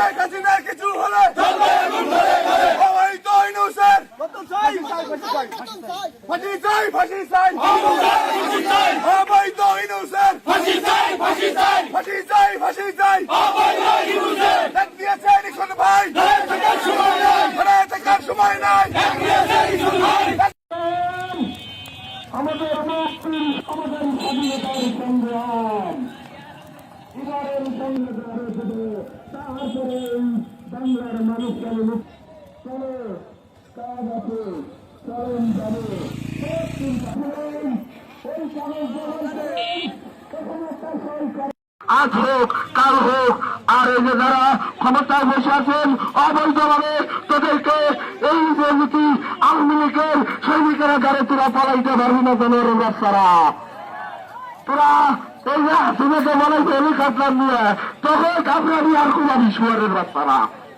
শেখ হাসিনার কিছু হলে অবৈধ ইউনূসের ফাঁসি চাই ফাঁসি চাই অবৈধ ইউনূসের ফাঁসি চাই ফাঁসি চাই ডাক দিয়েছেন ইকন ভাই ধরে থাকার সময় নাই আমাদের মুক্তির আমাদের স্বাধীনতার সংগ্রাম এবারের সংগ্রামে শুধু তারপরে বাংলার মানুষকে চলে কাজ আছে চরণ যাবে এই কাগজ তখন একটা সরকার আজ হোক কাল হোক আর এই যে যারা ক্ষমতায় বসে আছেন অবৈধভাবে তাদেরকে এই যে নীতি আওয়ামী লীগের সৈনিকেরা যারা তোরা পালাইতে পারবি না জনের বাচ্চারা তোরা এই যে হাসিনাকে বলাইছে হেলিকপ্টার নিয়ে তখন কামরানি আর কুমারী শুয়ারের বাচ্চারা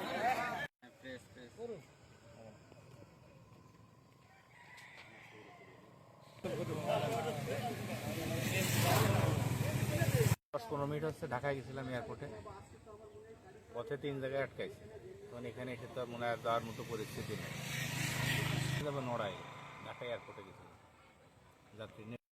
পনেরো মিনিট হচ্ছে ঢাকায় গেছিলাম এয়ারপোর্টে, পথে 3 জায়গায় আটকাইছে। তখন এখানে এসে তো মনে হয় যাওয়ার মতো পরিস্থিতি নেই। নড়াই ঢাকা এয়ারপোর্টে গেছিলাম যাত্রী